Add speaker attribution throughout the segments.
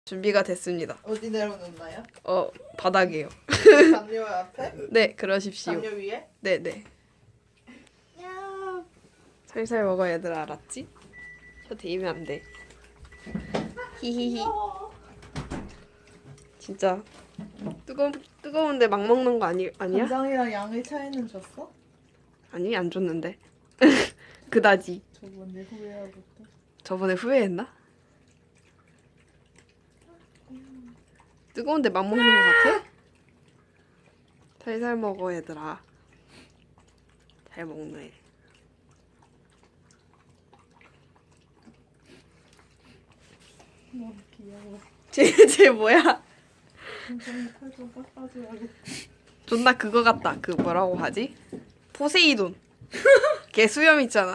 Speaker 1: 준비가 됐습니다.
Speaker 2: 어디 내려놓나요?
Speaker 1: 바닥이에요.
Speaker 2: 담요 앞에?
Speaker 1: 네, 그러십시오.
Speaker 2: 담요 위에?
Speaker 1: 네네.
Speaker 2: 야.
Speaker 1: 살살 먹어 얘들아, 알았지? 혀 대이면 안 돼. 히히히. 진짜 뜨거운데 막 먹는 거 아니야?
Speaker 2: 간장이랑 양의 차이는 줬어?
Speaker 1: 아니, 안 줬는데. 그다지.
Speaker 2: 저번에 후회하겠다.
Speaker 1: 저번에 후회했나? 뜨거운데 막 먹는 거 같아? 살살 먹어 얘들아. 잘 먹네.
Speaker 2: 너무 귀여워.
Speaker 1: 쟤 뭐야?
Speaker 2: 간장이 칼좀 깎아줘야겠다.
Speaker 1: 존나 그거 같다. 그 뭐라고 하지? 포세이돈. 걔 수염 있잖아.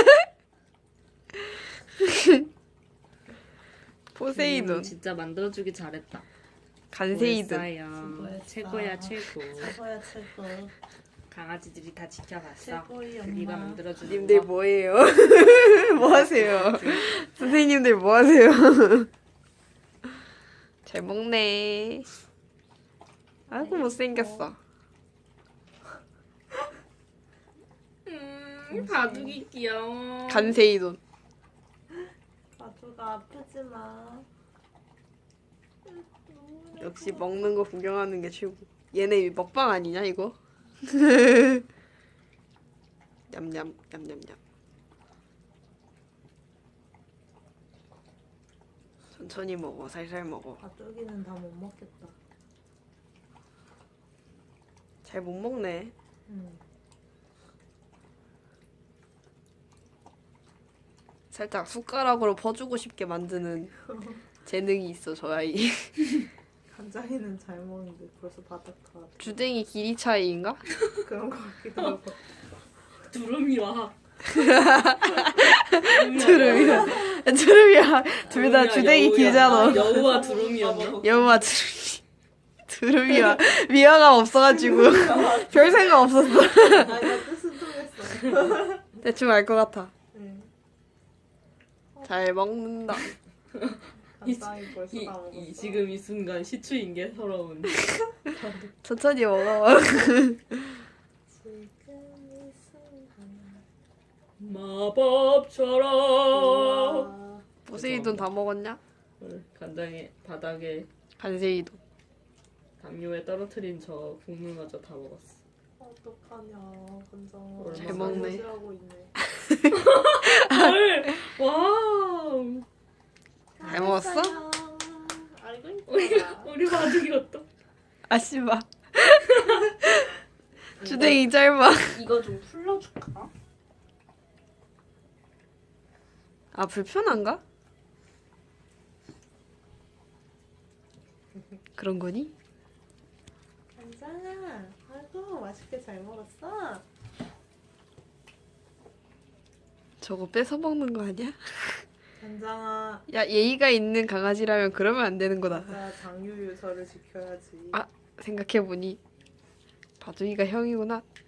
Speaker 1: 포세이돈.
Speaker 3: 진짜 만들어주기 잘했다.
Speaker 1: 간세이돈.
Speaker 3: 수고했어요. 최고야 최고.
Speaker 2: 최고야 최고.
Speaker 3: 강아지들이 다 지켜봤어.
Speaker 2: 최고의 엄마.
Speaker 3: 네가 만들어준
Speaker 1: 님들
Speaker 3: 거.
Speaker 1: 뭐예요? 뭐 하세요? 선생님들 뭐 하세요? 잘 먹네. 아이고 못생겼어.
Speaker 3: 바둑이 귀여워.
Speaker 1: 간세이돈.
Speaker 2: 가주가 아프지 마.
Speaker 1: 역시 먹는 거 구경하는 게 최고. 얘네 먹방 아니냐 이거? 냠냠 냠냠냠. 천천히 먹어. 살살 먹어.
Speaker 2: 가족이는 다 못 먹겠다.
Speaker 1: 잘 못 먹네.
Speaker 2: 응.
Speaker 1: 살짝 숟가락으로 퍼주고 싶게 만드는 재능이 있어 저 아이.
Speaker 2: 간장이는 잘 먹는데 벌써 바닥가.
Speaker 1: 주댕이 길이 차이인가?
Speaker 2: 그런 거 같기도 하고.
Speaker 3: 두루미와
Speaker 1: 두루미야. 둘 다 주댕이 길잖아.
Speaker 3: 여우와 두루미였나?
Speaker 1: 여우와 두루미야. 미화가 없어가지고 별 생각 없었어.
Speaker 2: 아니 나 뜻은 통했어.
Speaker 1: 대충 알 것 같아.
Speaker 2: 응.
Speaker 1: 잘 먹는다.
Speaker 2: 간장이 벌써 다 먹었어.
Speaker 3: 지금 이 순간 시추인 게 서러운.
Speaker 1: 천천히 먹어.
Speaker 2: 지금 이 순간.
Speaker 3: 마법처럼.
Speaker 2: 우와.
Speaker 1: 포세이돈 다 먹었냐?
Speaker 3: 간장에 바닥에
Speaker 1: 간세이돈.
Speaker 3: 담요에 떨어뜨린 저 국물마저 다 먹었어.
Speaker 2: 어떡하냐 간장.
Speaker 1: 잘 먹네.
Speaker 2: 하고 있네.
Speaker 3: 헐! 와우!
Speaker 1: 잘 먹었어?
Speaker 2: 알고
Speaker 3: 우리
Speaker 2: 있다.
Speaker 3: 우리 바둑이었다.
Speaker 1: 아씨바. 주댕이 짧아.
Speaker 3: 이거 좀 풀러줄까?
Speaker 1: 아 불편한가? 그런 거니?
Speaker 2: 간장아, 아이고 맛있게 잘 먹었어.
Speaker 1: 저거 뺏어 먹는 거 아니야?
Speaker 2: 간장아,
Speaker 1: 야 예의가 있는 강아지라면 그러면 안 되는 거다.
Speaker 2: 맞아 장유유서를 지켜야지.
Speaker 1: 아. 생각해보니 바둑이가 형이구나.